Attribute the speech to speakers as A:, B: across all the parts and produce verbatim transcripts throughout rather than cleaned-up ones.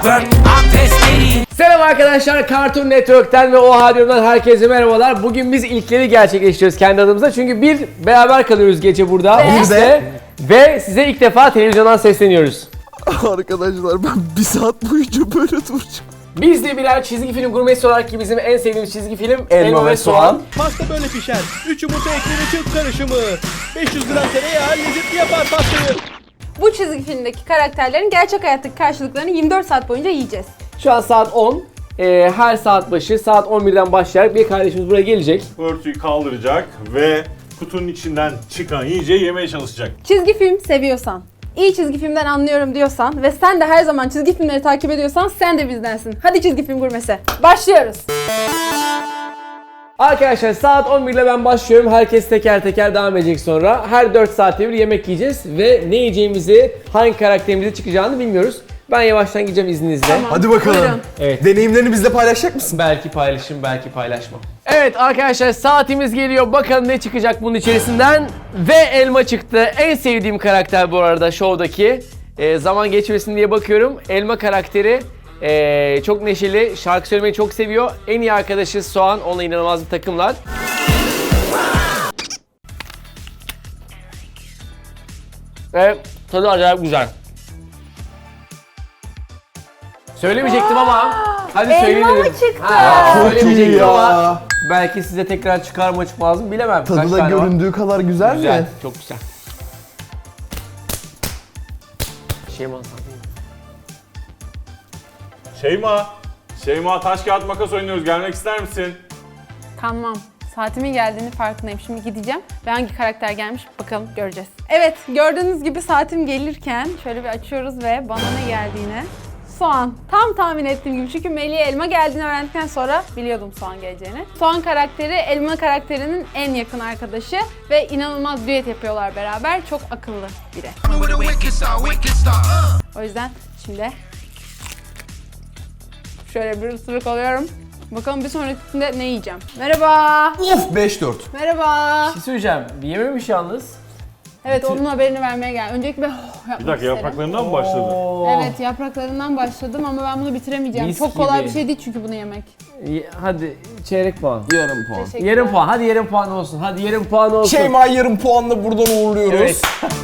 A: Selam arkadaşlar, Cartoon Network'ten ve Oha Diyorum'dan herkese merhabalar. Bugün biz ilkleri gerçekleştiriyoruz kendi adımıza. Çünkü bir, beraber kalıyoruz gece burada.
B: Ve?
A: Biz de. Ve size ilk defa televizyondan sesleniyoruz.
B: Arkadaşlar ben bir saat boyunca böyle duracağım.
A: Biz de birer çizgi film gurmesi olarak ki bizim en sevdiğimiz çizgi film Elma, Elma ve Soğan.
C: Pasta böyle pişer. üç yumurta ekleri çıt karışımı. beş yüz gram tereyağı lezzetli yapar pastayı.
D: Bu çizgi filmdeki karakterlerin gerçek hayattaki karşılıklarını yirmi dört saat boyunca yiyeceğiz.
A: Şu an saat on. Ee, her saat başı saat on birden başlayarak bir kardeşimiz buraya gelecek.
E: Örtüyü kaldıracak ve kutunun içinden çıkan yiyeceği yemeye çalışacak.
D: Çizgi film seviyorsan, iyi çizgi filmden anlıyorum diyorsan ve sen de her zaman çizgi filmleri takip ediyorsan sen de bizdensin. Hadi çizgi film gurmesi. Başlıyoruz.
A: Arkadaşlar saat on bir ile ben başlıyorum. Herkes teker teker devam edecek sonra. Her dört saatte bir yemek yiyeceğiz ve ne yiyeceğimizi, hangi karakterimize çıkacağını bilmiyoruz. Ben yavaştan gideceğim izninizle.
D: Tamam.
B: Hadi bakalım.
D: Buyurun.
A: Evet.
B: Deneyimlerini bizle paylaşacak mısın?
A: Belki paylaşırım, belki paylaşmam. Evet arkadaşlar saatimiz geliyor. Bakalım ne çıkacak bunun içerisinden. Ve elma çıktı. En sevdiğim karakter bu arada şovdaki. Ee, zaman geçmesin diye bakıyorum. Elma karakteri ee, çok neşeli, şarkı söylemeyi çok seviyor. En iyi arkadaşı Soğan, onunla inanılmaz bir takımlar. Ve tadı acayip güzel. Söylemeyecektim ama hadi söyleyeyim
D: Elma mı
A: dedim.
D: çıktı?
A: Ha,
B: Çok iyi
A: söylemeyecektim
B: ya.
A: ama belki size tekrar çıkar mı çıkmaz mı bilemem.
B: Tadı
A: Kaç
B: da
A: tane var?
B: göründüğü kadar güzel,
A: Güzel,
B: mi?
A: çok güzel. Şeyma sen.
E: Şeyma, Şeyma taş kağıt makas oynuyoruz. Gelmek ister misin?
D: Tamam. Saatimin geldiğini farkındayım. Şimdi gideceğim ve hangi karakter gelmiş bakalım göreceğiz. Evet, gördüğünüz gibi saatim gelirken şöyle bir açıyoruz ve bana ne geldiğini. Soğan. Tam tahmin ettiğim gibi çünkü Melih'e elma geldiğini öğrendikten sonra biliyordum soğan geleceğini. Soğan karakteri elma karakterinin en yakın arkadaşı ve inanılmaz düet yapıyorlar beraber. Çok akıllı biri. O yüzden şimdi şöyle bir ısırık alıyorum. Bakalım bir sonrakinde ne yiyeceğim. Merhaba.
B: Of beş dört.
D: Merhaba.
A: Bir şey söyleyeceğim. Yememiş yalnız.
D: Evet, onun haberini vermeye geldim. Öncelikle bir oh, yapmak
E: Bir dakika
D: isterim.
E: yapraklarından mı başladı?
A: Oo.
D: Evet, yapraklarından başladım ama ben bunu bitiremeyeceğim.
A: Mis
D: Çok kolay
A: gibi.
D: bir şey değil çünkü bunu yemek.
A: Ye- Hadi çeyrek puan.
B: Yarım puan.
D: Teşekkürler.
A: Yarım puan. Hadi yarım puan olsun. Hadi yarım puan olsun.
B: Şeyma yarım puanla buradan uğurluyoruz.
A: Evet.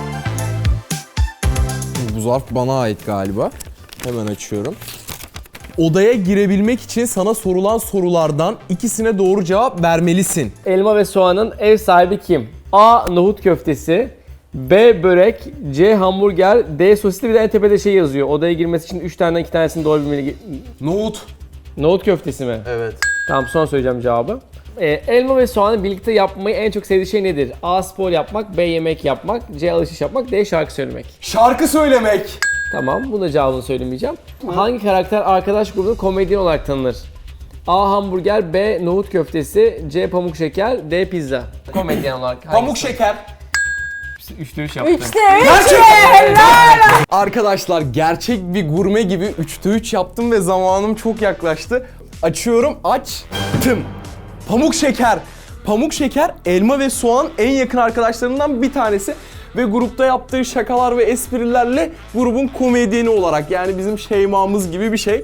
B: Bu zarf bana ait galiba. Hemen açıyorum. Odaya girebilmek için sana sorulan sorulardan ikisine doğru cevap vermelisin.
A: Elma ve Soğan'ın ev sahibi kim? A. Nohut köftesi. B. Börek. C. Hamburger. D. Sosisli, bir de en tepede şey yazıyor. Odaya girmesi için üç taneden iki tanesini doğru bilmeli.
B: Nohut.
A: Nohut köftesi mi?
B: Evet.
A: Tamam, son söyleyeceğim cevabı. Ee, elma ve Soğan'ı birlikte yapmayı en çok sevdiği şey nedir? A. Spor yapmak. B. Yemek yapmak. C. Alışveriş yapmak. D. Şarkı söylemek.
B: Şarkı söylemek.
A: Tamam, bunun da cevabını söylemeyeceğim. Hangi karakter arkadaş grubunda komedyen olarak tanınır? A. Hamburger. B. Nohut köftesi. C. Pamuk şeker. D. Pizza. Komedyen olarak.
B: Pamuk şeker.
A: Üçte üç yaptı.
D: İşte
B: Gerçekten. Arkadaşlar gerçek bir gurme gibi üçte üç yaptım ve zamanım çok yaklaştı. Açıyorum, açtım. Pamuk şeker. Pamuk şeker, elma ve soğan en yakın arkadaşlarından bir tanesi. Ve grupta yaptığı şakalar ve esprilerle grubun komedyeni olarak, yani bizim Şeyma'mız gibi bir şey.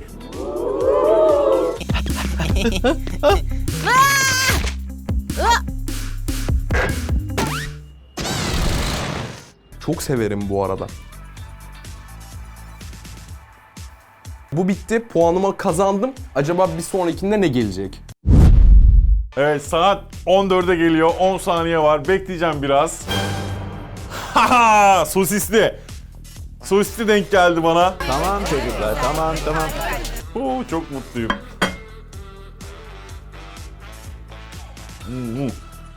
B: Çok severim bu arada. Bu bitti. Puanımı kazandım. Acaba bir sonrakinde ne gelecek?
E: Evet, saat on dörde geliyor. on saniye var. Bekleyeceğim biraz. Haha! Sosisli. Sosisli denk geldi bana.
B: Tamam çocuklar, tamam tamam.
E: Oo, çok mutluyum. Hmm.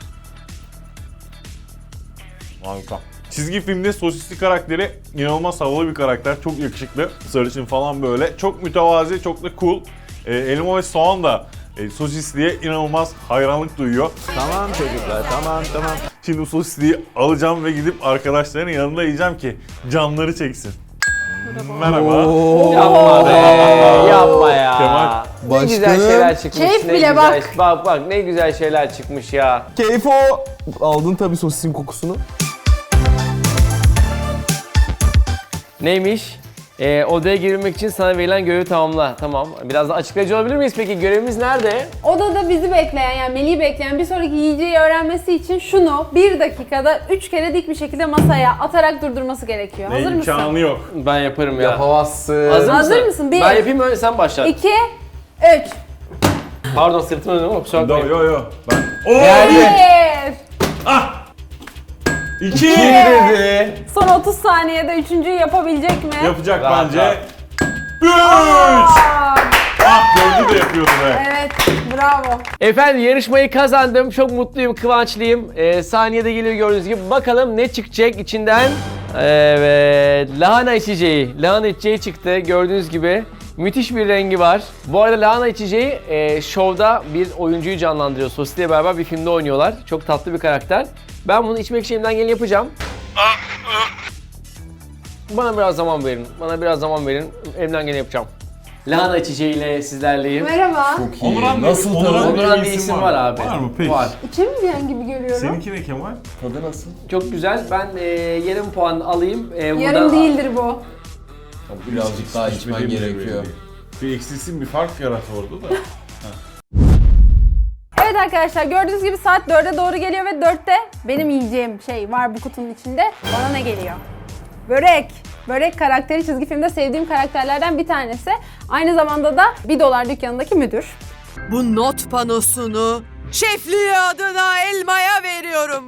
E: Harika. Çizgi filmde sosisli karakteri inanılmaz havalı bir karakter. Çok yakışıklı. Sarışın falan böyle. Çok mütevazi, çok da cool. Ee, elma ve soğan da e, sosisliye inanılmaz hayranlık duyuyor.
B: Tamam çocuklar, tamam tamam.
E: Şimdi sosisliği alacağım ve gidip arkadaşların yanında yiyeceğim ki canları çeksin. Merhaba.
A: Yapma be, yapma ya.
E: Kemal.
A: Ne
B: Başkanım.
A: güzel şeyler çıkmış.
D: Keyif
A: ne
D: bile
A: güzel,
D: bak.
A: Bak bak ne güzel şeyler çıkmış ya.
B: Keyif o. Aldın tabii sosisin kokusunu.
A: Neymiş? Ee, odaya girebilmek için sana verilen görevi tamamla. Tamam. Biraz da açıklayıcı olabilir miyiz peki? Görevimiz nerede?
D: Odada bizi bekleyen yani Melih'i bekleyen bir sonraki yiyeceği öğrenmesi için şunu bir dakikada üç kere dik bir şekilde masaya atarak durdurması gerekiyor. Hazır
E: Ne
D: mısın?
E: imkanı yok.
A: Ben yaparım ya.
B: Yapamazsın.
A: Hazır,
D: Hazır mısın? Bir.
A: Ben yapayım öyle sen başla.
D: İki, üç.
A: Pardon sırtıma dönüyorum ama kusura
E: Yo
A: bakmayın.
E: yo yo. Ben... Oo!
D: Bir.
E: Ah! İki!
B: dedi.
D: Son otuz saniyede üçüncüyü yapabilecek mi?
E: Yapacak
A: Rahat,
E: bence.
A: rahat.
E: Üç!
D: Aa,
E: Ah gördü de yapıyordu be.
D: evet, bravo.
A: Efendim yarışmayı kazandım. Çok mutluyum, kıvançlıyım. Ee, saniyede geliyor gördüğünüz gibi. Bakalım ne çıkacak içinden. Evet, lahana içeceği. Lahana içeceği çıktı gördüğünüz gibi. Müthiş bir rengi var. Bu arada lahana içeceği e, şovda bir oyuncuyu canlandırıyor. Sosis'le beraber bir filmde oynuyorlar. Çok tatlı bir karakter. Ben bunu içmek için elimden geleni yapacağım. Bana biraz zaman verin. Bana biraz zaman verin. Elimden geleni yapacağım. Lahana içeceğiyle sizlerleyim.
D: Merhaba.
E: Onuran
B: Nasıl
E: diye-
B: tadı?
E: Onuran diye
A: Onuran
E: bir
A: diye
E: isim
A: isim var abi.
E: Var mı peki?
A: Var.
D: İçemeyeceğin gibi görüyorum.
E: Seninki ne Kemal?
B: Tadı nasıl?
A: Çok güzel. Ben e, yarım puan alayım. E,
D: Yarım
A: buradan-
D: değildir bu.
B: Birazcık daha içmen gerekiyor.
E: Bir eksilsin bir fark yarat orada da.
D: Evet arkadaşlar gördüğünüz gibi saat dörde doğru geliyor ve dörtte benim yiyeceğim şey var bu kutunun içinde. Bana ne geliyor? Börek. Börek karakteri çizgi filmde sevdiğim karakterlerden bir tanesi. Aynı zamanda da bir dolar dükkanındaki müdür.
F: Bu not panosunu şefliği adına elmaya veriyorum.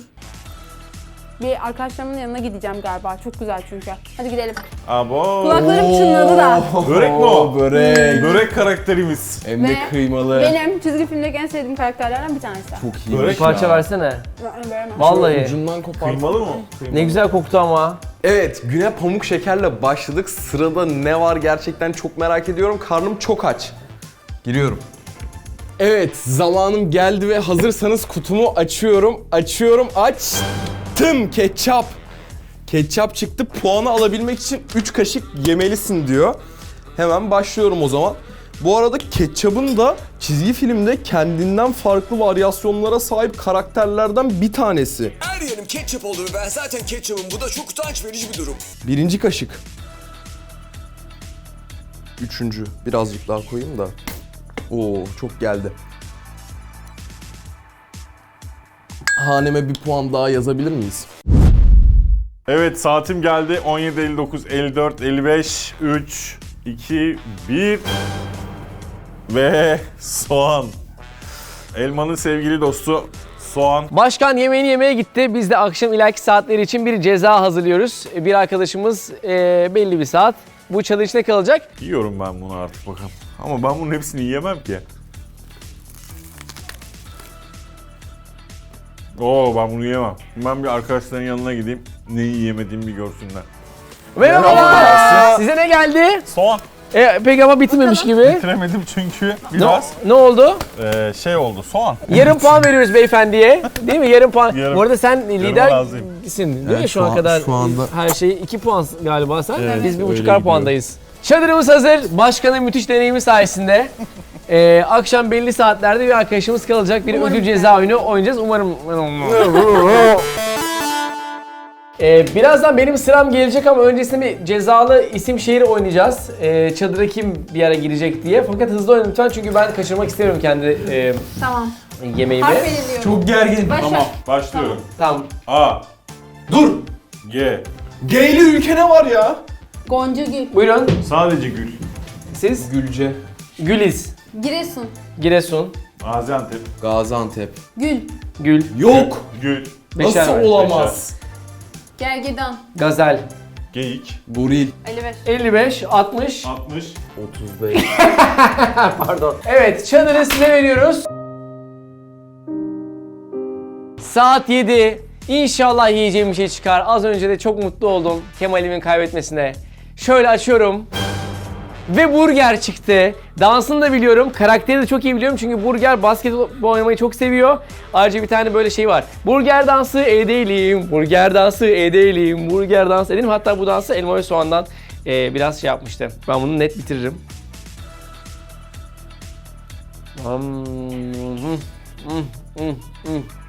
D: Bir arkadaşlarımın yanına gideceğim galiba. Çok güzel çünkü. Hadi gidelim.
E: Abo.
D: Kulaklarım çınladı da.
E: Börek mi o?
B: Börek.
E: Börek karakterimiz.
B: Hem de
D: Ve
B: kıymalı.
D: Benim çizgi filmdeki en sevdiğim karakterlerden bir tanesi.
B: Çok iyi.
E: Börek
A: Bir parça versene.
D: Ben veremem.
A: Vallahi.
B: Ucundan kopar.
E: Kıymalı mı? Kıymalı.
A: Ne güzel koktu ama.
B: Evet, güne pamuk şekerle başladık. Sırada ne var gerçekten çok merak ediyorum. Karnım çok aç. Giriyorum. Evet, zamanım geldi ve hazırsanız kutumu açıyorum. Açıyorum, açtım. Ketçap. Ketçap çıktı. Puanı alabilmek için üç kaşık yemelisin diyor. Hemen başlıyorum o zaman. Bu arada ketçabın da çizgi filmde kendinden farklı varyasyonlara sahip karakterlerden bir tanesi.
G: Her yerim ketçap oldu ve ben zaten ketçapım. Bu da çok utanç verici bir durum.
B: Birinci kaşık. Üçüncü. Birazcık daha koyayım da. Oo, çok geldi. Haneme bir puan daha yazabilir miyiz?
E: Evet saatim geldi. on yedi elli dokuz, elli dört, elli beş, üç, iki, bir ve soğan. Elmanın sevgili dostu soğan.
A: Başkan yemeğini yemeye gitti. Biz de akşam ileriki saatleri için bir ceza hazırlıyoruz. Bir arkadaşımız e, belli bir saat bu çadır içinde kalacak.
E: Yiyorum ben bunu artık bakalım. Ama ben bunun hepsini yiyemem ki. Oo ben bunu yiyemem. Ben bir arkadaşların yanına gideyim. Neyi yiyemediğimi bir görsünler.
A: Merhaba. Size ne geldi?
E: Soğan.
A: E, peki ama bitmemiş gibi.
E: Bitiremedim çünkü
A: Ne,
E: biraz
A: ne oldu?
E: eee, şey oldu soğan.
A: Yarım puan veriyoruz beyefendiye. Değil mi? Yarım puan.
E: Yarım.
A: Bu arada sen
E: razıyım.
A: lidersin değil mi
B: Evet,
A: şu an
B: şu an-
A: kadar?
B: şu anda-
A: Her şey iki puan galiba sen.
E: Evet,
A: Biz bir
B: öyle
A: buçukar
B: gidiyor.
A: puandayız. Çadırımız hazır. Başkanın müthiş deneyimi sayesinde. Ee, akşam belli saatlerde bir arkadaşımız kalacak. Bir
D: Umarım
A: ödül
D: ki.
A: ceza oyunu oynayacağız. Umarım. Ee, birazdan benim sıram gelecek ama öncesinde bir cezalı isim şehir oynayacağız. Ee, çadıra kim bir ara girecek diye. Fakat hızlı oynayın lütfen çünkü ben kaçırmak istemiyorum kendi e,
D: Tamam.
A: yemeğimi.
D: Harf belirliyorum.
B: Çok gergin.
D: Başla.
E: Tamam başlıyorum.
A: Tamam.
E: A,
B: Dur!
E: G,
B: G'li ülke ne var ya?
D: Gonca Gül.
A: Buyurun.
E: sadece Gül,
A: Siz?
B: Gülce.
A: Güliz.
D: Giresun.
A: Giresun.
E: Gaziantep,
B: Gaziantep.
D: Gül.
A: Gül.
B: Yok!
E: Gül,
A: Beşer
B: Nasıl
A: ver,
B: olamaz?
D: Gergedan.
A: Gazel.
E: Geyik,
B: Goril.
D: elli beş.
A: elli beş, altmış.
E: altmış,
B: otuz beş.
A: Pardon. Evet, çadırı size veriyoruz. Saat yedi. İnşallah yiyeceğim bir şey çıkar. Az önce de çok mutlu oldum Kemal'imin kaybetmesine. Şöyle açıyorum. Ve burger çıktı. Dansını da biliyorum. Karakteri de çok iyi biliyorum çünkü burger basketbol oynamayı çok seviyor. Ayrıca bir tane böyle şey var. Burger dansı edelim, burger dansı edelim, burger dansı edelim. Hatta bu dansı elma ve soğandan e, biraz şey yapmıştım. Ben bunu net bitiririm.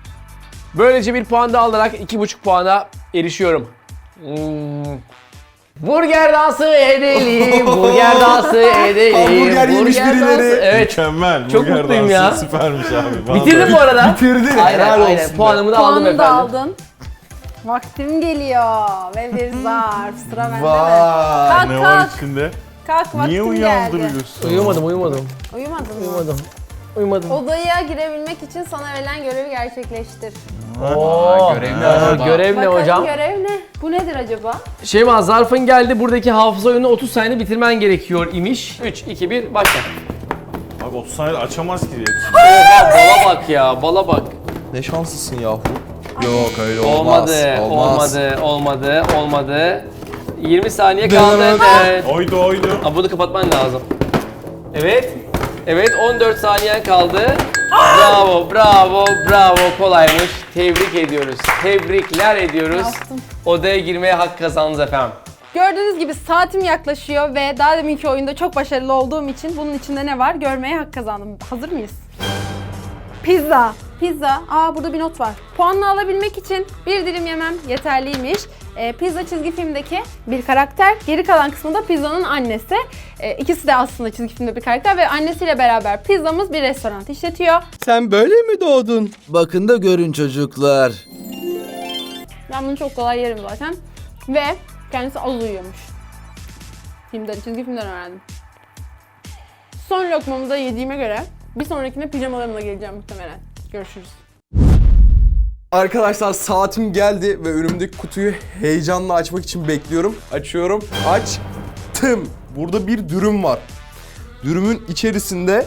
A: Böylece bir puan daha alarak iki buçuk puana erişiyorum. Hmm. Burger dansı edelim, burger dansı edelim.
B: Hamburger yemiş
A: burger
B: birileri.
A: dansı- Evet.
E: Mükemmel.
A: Çok
E: Burger
A: mutluyum
E: dansı
A: ya.
E: Süpermiş abi. Vallahi.
A: Bitirdim bu arada.
B: Bitirdin.
A: Aynen
B: Helal
A: aynen.
B: olsun be.
A: Puanımı da aldım
D: Puanını da
A: efendim.
D: aldın. Vaktim geliyor ve bir zarf. Sıra bende mi?
B: Vay.
D: Kalk
E: Ne var
D: kalk.
E: içinde?
D: Kalk vaktim
E: Niye
D: geldi.
E: uyandırıyorsun?
A: Uyumadım, uyumadım.
D: Uyumadın mı?
A: Uyumadım. Uyumadım.
D: Odaya girebilmek için sana verilen görevi gerçekleştir.
A: Oo,
B: görev ne
A: aa,
B: acaba?
A: görev ne
D: Bakalım
A: hocam?
D: görev ne? Bu nedir acaba?
A: Şeyma, zarfın geldi. Buradaki hafıza oyunu otuz saniyede bitirmen gerekiyor imiş. üç, iki, bir, başla.
E: Abi otuz saniyede açamaz ki diye.
A: Oha, bala bak ya, bala bak.
B: Ne şanslısın yahu. Yok öyle olmaz.
A: Olmadı,
B: Olmaz.
A: olmadı, olmadı, olmadı. yirmi saniye kaldı. Evet.
E: Oydu oydu.
A: Aa, bunu kapatman lazım. Evet. Evet, on dört saniyen kaldı. Bravo, bravo, bravo. Kolaymış. Tebrik ediyoruz. Tebrikler ediyoruz.
D: Yaptım.
A: Odaya girmeye hak kazandınız efendim.
D: Gördüğünüz gibi saatim yaklaşıyor ve daha deminki oyunda çok başarılı olduğum için bunun içinde ne var görmeye hak kazandım. Hazır mıyız? Pizza. Pizza. Aa, burada bir not var. Puanını alabilmek için bir dilim yemem yeterliymiş. Ee, pizza çizgi filmdeki bir karakter. Geri kalan kısmı da pizzanın annesi. Ee, ikisi de aslında çizgi filmde bir karakter ve annesiyle beraber pizzamız bir restoran işletiyor.
C: Sen böyle mi doğdun?
H: Bakın da görün çocuklar.
D: Ben bunu çok kolay yerim zaten. Ve kendisi az uyuyormuş. Filmden, çizgi filmden öğrendim. Son lokmamı da yediğime göre bir sonrakine pijamalarımla geleceğim muhtemelen. Görüşürüz.
B: Arkadaşlar saatim geldi ve önümdeki kutuyu heyecanla açmak için bekliyorum. Açıyorum. Açtım. Burada bir dürüm var. Dürümün içerisinde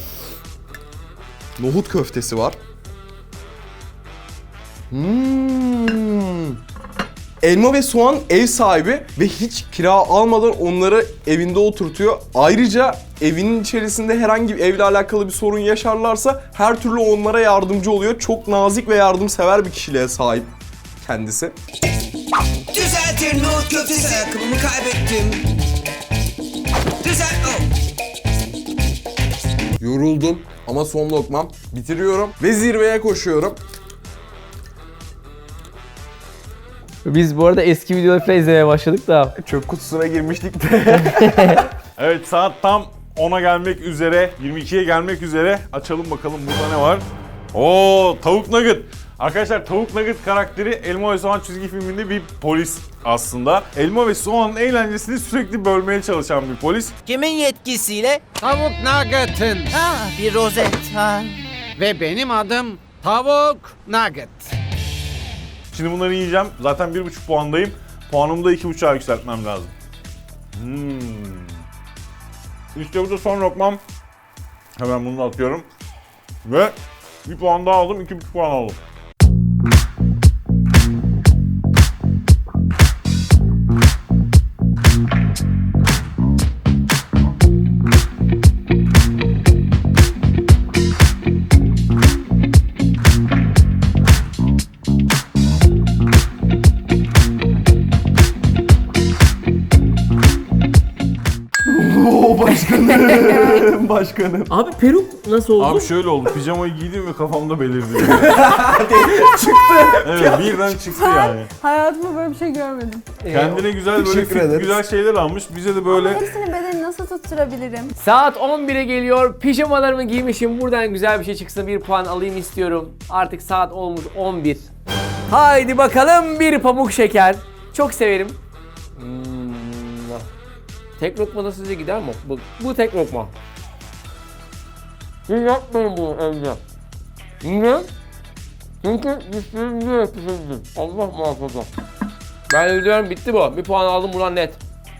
B: nohut köftesi var. Hmm. Elma ve Soğan ev sahibi ve hiç kira almadan onları evinde oturtuyor. Ayrıca evinin içerisinde herhangi bir evle alakalı bir sorun yaşarlarsa her türlü onlara yardımcı oluyor. Çok nazik ve yardımsever bir kişiliğe sahip kendisi.
G: Düzeltir nohut köftesi. Ayakkabımı kaybettim. Düzelt. Oh.
B: Yoruldum ama son lokmam. Bitiriyorum ve zirveye koşuyorum.
A: Biz bu arada eski videoları falan izlemeye başladık da.
B: Çöp kutusuna girmiştik de.
E: Evet, saat tam ona gelmek üzere, yirmi ikiye gelmek üzere. Açalım bakalım burada ne var. Oo, tavuk nugget. Arkadaşlar, tavuk nugget karakteri Elma ve Soğan çizgi filminde bir polis aslında. Elma ve Soğan'ın eğlencesini sürekli bölmeye çalışan bir polis.
H: Kimin yetkisiyle?
I: Tavuk Nugget'ın.
H: Ha, bir rozet. Ha.
I: Ve benim adım Tavuk Nugget.
E: Şimdi bunları yiyeceğim. Zaten bir buçuk puandayım. Puanımı da iki buçuğa yükseltmem lazım. Hmm. İşte bu da son lokmam. Hemen bunu da atıyorum. Ve bir puan daha aldım, iki buçuk puan aldım.
B: Oo başkanım. Başkanım.
A: Abi peruk nasıl oldu?
E: Abi şöyle oldu, pijamayı giydim ve kafamda belirdi. çıktı. Evet, birden çıktı yani.
D: Hayatımda böyle bir şey görmedim.
E: Kendine güzel böyle
B: Teşekkür
E: fit,
B: ederiz.
E: güzel şeyler almış. Bize de böyle
D: Hepsini bedeni nasıl tutturabilirim?
A: Saat on bire geliyor. Pijamalarımı giymişim. Buradan güzel bir şey çıksın. Bir puan alayım istiyorum. Artık saat olmuş on bir. Haydi bakalım bir pamuk şeker. Çok severim. Hmm. Tek lokma da size gider mi? Bu, bu tek lokma. Siz yapmayın bunu evde. Niye? Çünkü dişlerim diye pişirdim. Allah muhafaza. Ben ödüyorum, bitti bu. Bir puan aldım buradan net.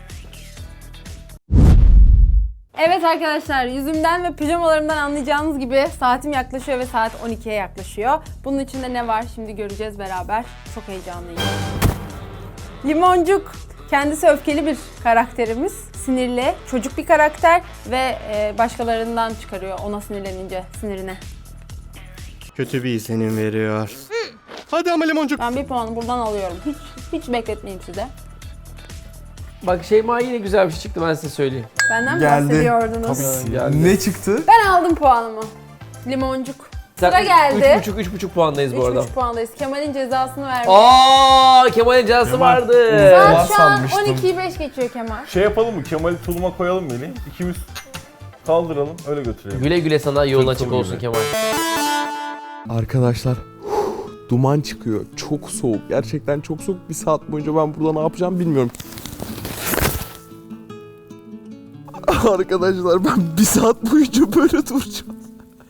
D: Evet arkadaşlar, yüzümden ve pijamalarımdan anlayacağınız gibi saatim yaklaşıyor ve saat on ikiye yaklaşıyor. Bunun içinde ne var şimdi göreceğiz beraber. Çok heyecanlıyım. Limoncuk. Kendisi öfkeli bir karakterimiz. Sinirli, çocuk bir karakter ve e, başkalarından çıkarıyor ona sinirlenince sinirine.
C: Kötü bir izlenim veriyor. Hadi ama limoncuk.
D: Ben bir puanı buradan alıyorum. Hiç hiç bekletmeyeyim size.
A: Bak Şeyma yine güzel bir şey çıktı, ben size söyleyeyim.
D: Benden mi
B: Geldi.
D: bahsediyordunuz?
A: Geldi.
B: Ne çıktı?
D: Ben aldım puanımı. Limoncuk. Sıra geldi.
A: üç buçuk üç buçuk puandayız bu
D: üç
A: arada.
D: buçuk puandayız. Kemal'in cezasını vermiş.
A: Aa, Kemal'in cezası
E: Kemal.
A: vardı.
D: Saat şu an
B: sanmıştım.
D: on ikiyi beş geçiyor Kemal.
E: Şey yapalım mı? Kemal'i tuluma koyalım Melih. İkimiz kaldıralım öyle götürelim.
A: Güle güle sana, yolun
E: Tırtıl
A: açık
E: gibi.
A: olsun Kemal.
B: Arkadaşlar duman çıkıyor. Çok soğuk. Gerçekten çok soğuk. Bir saat boyunca ben burada ne yapacağım bilmiyorum. Arkadaşlar ben bir saat boyunca böyle duracağım.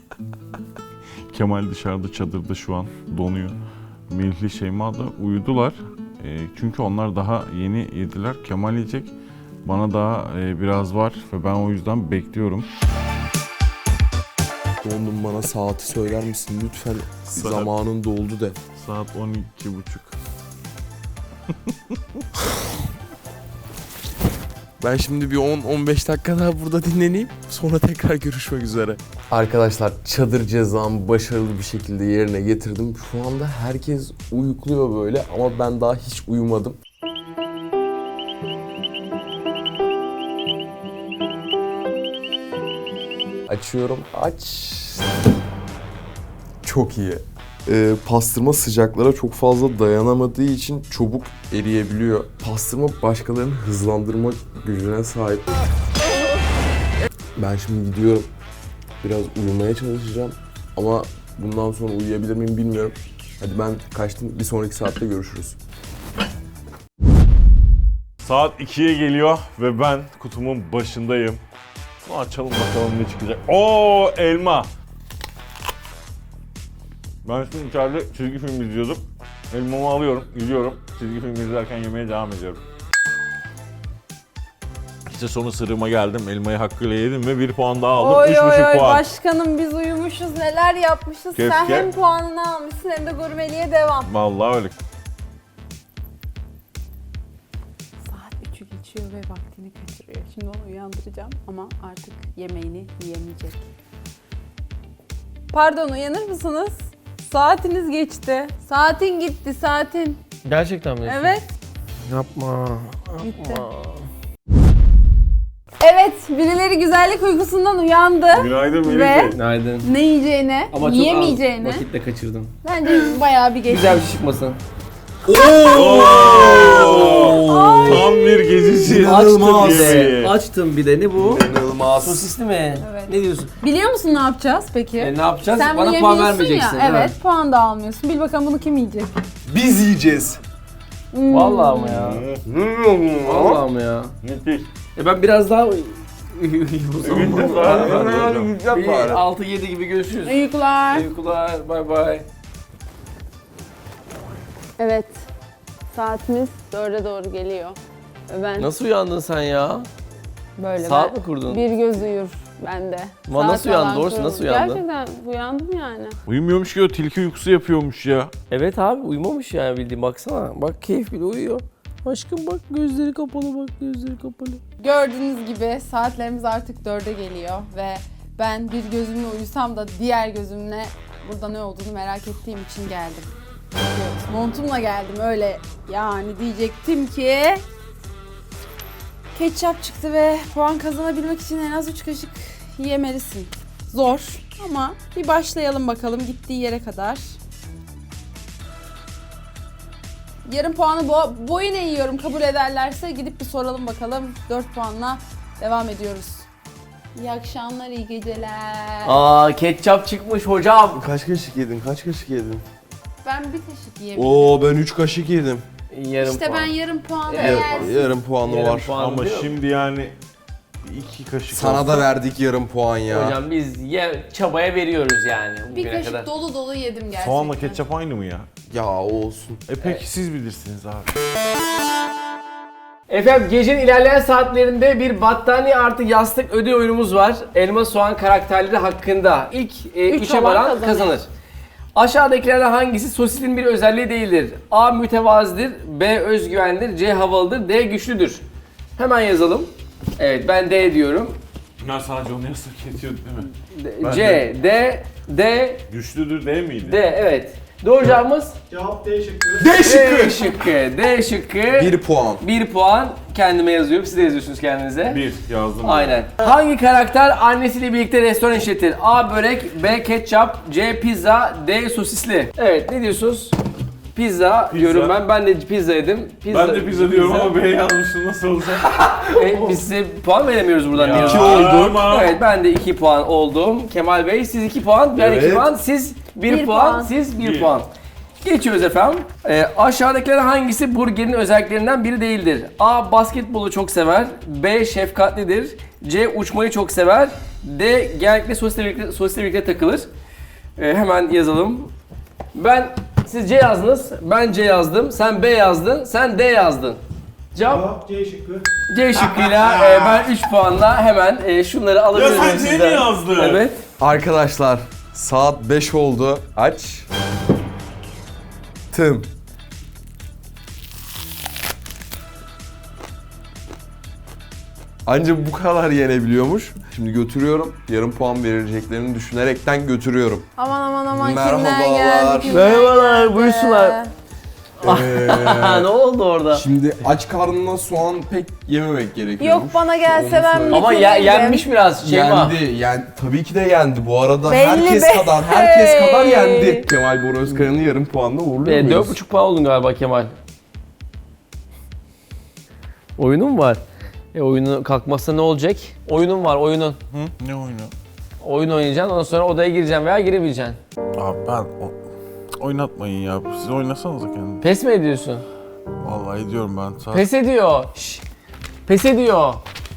E: Kemal dışarıda çadırda şu an donuyor. Melih'le Şeyma da uyudular. E, çünkü onlar daha yeni yediler. Kemal yiyecek. Bana daha e, biraz var ve ben o yüzden bekliyorum.
B: Dondum, bana saati söyler misin lütfen?
E: Saat-
B: Zamanın doldu de.
E: Saat on iki buçuk.
B: Ben şimdi bir on on beş dakika daha burada dinleneyim. Sonra tekrar görüşmek üzere. Arkadaşlar çadır cezamı başarılı bir şekilde yerine getirdim. Şu anda herkes uyukluyor böyle ama ben daha hiç uyumadım. Açıyorum. Aç. Çok iyi. Ee, pastırma sıcaklara çok fazla dayanamadığı için çabuk eriyebiliyor. Pastırma başkalarını hızlandırma gücüne sahip. Ben şimdi gidiyorum. Biraz uyumaya çalışacağım. Ama bundan sonra uyuyabilir miyim bilmiyorum. Hadi ben kaçtım. Bir sonraki saatte görüşürüz.
E: Saat ikiye geliyor ve ben kutumun başındayım. Bunu açalım bakalım ne çıkacak. Oo, elma. Ben şimdi içeride çizgi film izliyordum. Elmamı alıyorum, gidiyorum. Çizgi film izlerken yemeye devam ediyorum. İşte sonu sırrıma geldim. Elmayı hakkıyla yedim ve bir puan daha aldım.
D: Oy
E: Üç
D: oy
E: buçuk
D: oy
E: puan.
D: başkanım biz uyumuşuz neler yapmışız.
E: Keşke.
D: Sen hem puanını almışsın hem de gurmeliğe devam.
E: Vallahi öyle.
D: Saat üçü geçiyor ve vaktini kaçırıyor. Şimdi onu uyandıracağım ama artık yemeğini yiyemeyecek. Pardon uyanır mısınız? Saatiniz geçti. Saatin gitti saatin.
A: Gerçekten mi?
D: Evet.
A: Yapma.
D: Gitti. Evet birileri güzellik uykusundan uyandı.
E: Günaydın Melih
D: Ve-
E: Bey.
A: Günaydın.
D: Ne yiyeceğini,
A: Ama çok
D: yiyemeyeceğini.
A: az vakitle kaçırdın.
D: Bence bayağı bir geçti.
A: Güzel bir şey çıkmasın.
E: Oo! Tam bir gecesi.
A: Açtım bir de.
E: yemeği.
A: Açtım bir de. Ne bu?
B: İnanılmaz.
A: Sosisli mi?
D: Evet.
A: Ne diyorsun?
D: Biliyor musun ne yapacağız peki?
A: E, ne yapacağız?
D: Sen
A: Bana
D: bunu
A: puan
D: yemiyorsun
A: vermeyeceksin.
D: ya.
A: değil mi?
D: Evet puan da almıyorsun. Bil bakalım bunu kim yiyecek?
B: Biz yiyeceğiz.
D: Hmm.
A: Vallahi mı ya? Vallahi mı ya?
E: Müthiş.
A: E ben biraz daha
B: Güzel bari.
A: altı yedi gibi görüşürüz.
D: Uykular.
A: Uykular. Bay bay.
D: Evet. Saatimiz dörde doğru geliyor. Ve ben
A: Nasıl uyandın sen ya?
D: böyle
A: Saat
D: ben-
A: mi kurdun?
D: Bir göz uyur bende.
A: Ama
D: Saat
A: nasıl uyandın?
D: falan
A: Doğrusu
D: kurulur.
A: nasıl uyandın?
D: Gerçekten uyandım yani.
E: Uyumuyormuş ki o tilki uykusu yapıyormuş ya.
A: Evet abi uyumamış yani bildiğin baksana. Bak keyif bile uyuyor. Aşkım bak gözleri kapalı bak gözleri kapalı.
D: Gördüğünüz gibi saatlerimiz artık dörde geliyor ve ben bir gözümle uyusam da diğer gözümle burada ne olduğunu merak ettiğim için geldim. Çünkü montumla geldim öyle yani diyecektim ki ketçap çıktı ve puan kazanabilmek için en az üç kaşık yemelisin. Zor ama bir başlayalım bakalım gittiği yere kadar. Yarım puanı bo boyuna yiyorum kabul ederlerse gidip bir soralım bakalım. dört puanla devam ediyoruz. İyi akşamlar, iyi geceler.
A: Aa ketçap çıkmış hocam.
B: Kaç kaşık yedin? Kaç kaşık yedin?
D: Ben bir kaşık yiyebilirim.
B: Oo ben üç kaşık yedim.
A: Yarım
D: İşte
A: puan.
D: ben yarım puanla
A: Yarım
D: yersin.
B: Yarım puanı
A: Yarım
B: var.
A: puan
E: Ama
A: diyor.
E: şimdi yani iki kaşık
B: Sana
E: olsa-
B: da verdik yarım puan ya.
A: Hocam biz ye, çabaya veriyoruz yani
D: Bir
A: bugüne
D: kaşık
A: kadar.
D: dolu dolu yedim gerçekten.
E: Soğanla ketçap aynı mı ya?
B: Ya olsun.
E: E peki siz bilirsiniz abi.
A: Efendim gecenin ilerleyen saatlerinde bir battaniye artı yastık ödül oyunumuz var. Elma soğan karakterleri hakkında. İlk e,
D: Üç
A: üçe
D: olan
A: varan
D: kazanır.
A: kazanır. Aşağıdakilerden hangisi sosisin bir özelliği değildir? A. Mütevazidir, B. Özgüvendir, C. Havalıdır, D. Güçlüdür. Hemen yazalım. Evet ben D diyorum.
E: Ya sadece onu yasak ediyordu değil mi?
A: D-
E: Ben
A: C, D, D,
E: Güçlüdür değil miydi?
A: D evet. Doğru cevabımız
C: Cevap D şıkkı.
B: D
A: D
B: şıkkı.
A: şıkkı. D şıkkı.
B: bir puan.
A: Bir puan kendime yazıyorum. Siz de yazıyorsunuz kendinize.
E: Bir yazdım.
A: Aynen. Hangi karakter annesiyle birlikte restoran işletir? A. Börek, B. Ketçap, C. Pizza, D. Sosisli. Evet, ne diyorsunuz? Pizza, diyorum ben. Ben de pizza yedim. Pizza,
E: Ben de pizza diyorum ama B yazmıştım, nasıl olacak?
A: E, biz size puan veremiyoruz buradan.
E: Ya,
A: diye.
E: iki oldu. Ama.
A: Evet, ben de iki puan oldum. Kemal Bey, siz iki puan, ben iki
B: Evet.
A: puan, siz bir,
D: Bir
A: puan,
D: puan.
A: siz bir,
E: Bir.
A: puan. Geçiyoruz efendim. Ee, aşağıdakilerden hangisi burgerin özelliklerinden biri değildir? A. Basketbolu çok sever. B. Şefkatlidir. C. Uçmayı çok sever. D. Genellikle sosisle birlikte, sosisle birlikte takılır. Ee, hemen yazalım. Ben, siz C yazdınız, ben C yazdım, sen B yazdın, sen D yazdın. Cevap
C: Cevap C şıkkı.
A: C şıkkıyla e, ben üç puanla hemen e, şunları alabilirim
E: Ya sen C
A: sizden.
E: mi yazdın?
A: Evet.
B: Arkadaşlar saat beş oldu. Aç. Tım. Ancak bu kadar yenebiliyormuş. Şimdi götürüyorum. Yarım puan verileceklerini düşünerekten götürüyorum.
D: Aman aman aman
B: Merhabalar.
D: kimler geldi kimler
A: Merhabalar,
D: geldi.
A: buyursunlar.
B: Ee,
A: ne oldu orada?
B: şimdi aç karnına soğan pek yememek gerekiyor.
D: Yok bana gelse ben
B: söyle.
A: Ama ya, yenmiş biraz Şeyma.
B: Yendi. Yani tabii ki de yendi. Bu arada
D: Belli
B: herkes
D: be.
B: kadar, herkes
D: Hey.
B: kadar yendi. Kemal Bora Özkaya'nın yarım puanla uğurluyor
A: E,
B: muyuz?
A: dört buçuk puan oldun galiba Kemal. Oyunun var. E oyunu kalkmazsa ne olacak? Oyunun var, oyunun.
E: Hı? Ne oyunu?
A: Oyun oynayacaksın, ondan sonra odaya gireceksin veya girebileceksin.
E: Abi ben o... oynatmayın ya. Siz oynasanıza kendiniz.
A: Pes mi ediyorsun?
E: Vallahi ediyorum ben. Saat...
A: Pes ediyor. Şşş. Pes ediyor.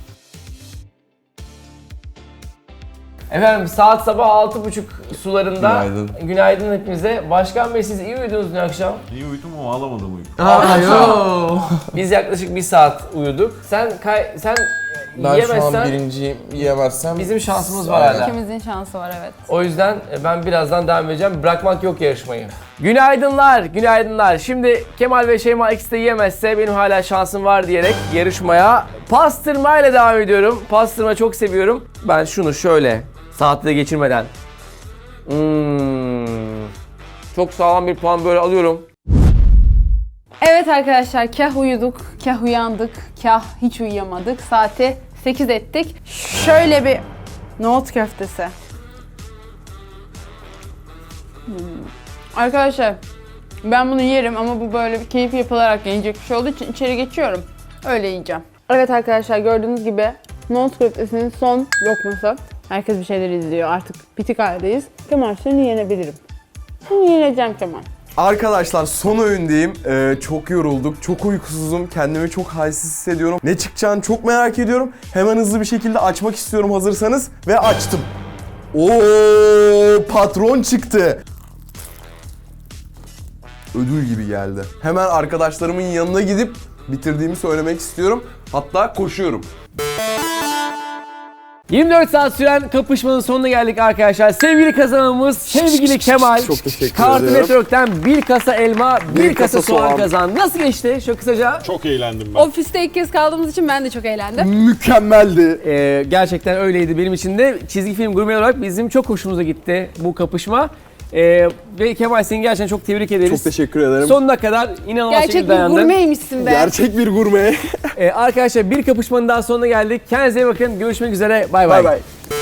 A: Efendim saat sabah altı buçuk sularında.
B: Günaydın.
A: Günaydın hepinize. Başkan Bey siz iyi uyudunuz dün akşam?
E: İyi uyudum ama alamadım uyku.
A: Aa, yo. Biz yaklaşık bir saat uyuduk. Sen kay sen
B: Ben
A: yiyemezsen
B: şu an birinciyim. Yiyemezsem
A: bizim şansımız var hala.
D: İkimizin şansı var evet.
A: O yüzden ben birazdan devam edeceğim. Bırakmak yok yarışmayı. Günaydınlar, günaydınlar. Şimdi Kemal ve Şeyma ikisi de yiyemezse benim hala şansım var diyerek yarışmaya pastırmayla devam ediyorum. Pastırma çok seviyorum. Ben şunu şöyle saatte de geçirmeden. Hmm. Çok sağlam bir puan böyle alıyorum.
D: Evet arkadaşlar kah uyuduk, kah uyandık, kah hiç uyuyamadık. Saati sekiz ettik. Şöyle bir nohut köftesi. Hmm. Arkadaşlar ben bunu yerim ama bu böyle bir keyif yapılarak yenecek bir şey olduğu için içeri geçiyorum. Öyle yiyeceğim. Evet arkadaşlar gördüğünüz gibi nohut köftesinin son lokması. Herkes bir şeyler izliyor artık bitik haldeyiz. Kemal seni yenebilirim. Seni yeneceğim Kemal.
B: Arkadaşlar son öğündeyim. Ee, çok yorulduk, çok uykusuzum. Kendimi çok halsiz hissediyorum. Ne çıkacağını çok merak ediyorum. Hemen hızlı bir şekilde açmak istiyorum hazırsanız. Ve açtım. Oo, patron çıktı. Ödül gibi geldi. Hemen arkadaşlarımın yanına gidip bitirdiğimi söylemek istiyorum. Hatta koşuyorum.
A: yirmi dört saat süren kapışmanın sonuna geldik arkadaşlar. Sevgili kazanımız sevgili Kemal.
B: Çok teşekkür
A: Cartoon
B: ederim.
A: Network'ten bir kasa elma, bir,
B: Bir
A: kasa,
B: kasa
A: soğan,
B: soğan.
A: kazandı. Nasıl geçti? Çok kısaca.
E: Çok eğlendim ben.
D: Ofiste ilk kez kaldığımız için ben de çok eğlendim.
B: Mükemmeldi.
A: Ee, gerçekten öyleydi benim için de. Çizgi film gurme olarak bizim çok hoşumuza gitti bu kapışma. Ee, ve Kemal seni gerçekten çok tebrik ederiz.
B: Çok teşekkür ederim.
A: Sonuna kadar inanılmaz
D: Gerçek
A: şekilde
D: bir
A: dayandın.
D: gurmeymişsin be.
B: Gerçek bir gurme.
A: Ee, arkadaşlar bir kapışmanın daha sonuna geldik. Kendinize iyi bakın. Görüşmek üzere. Bay
B: Bay
A: bay.
B: bay.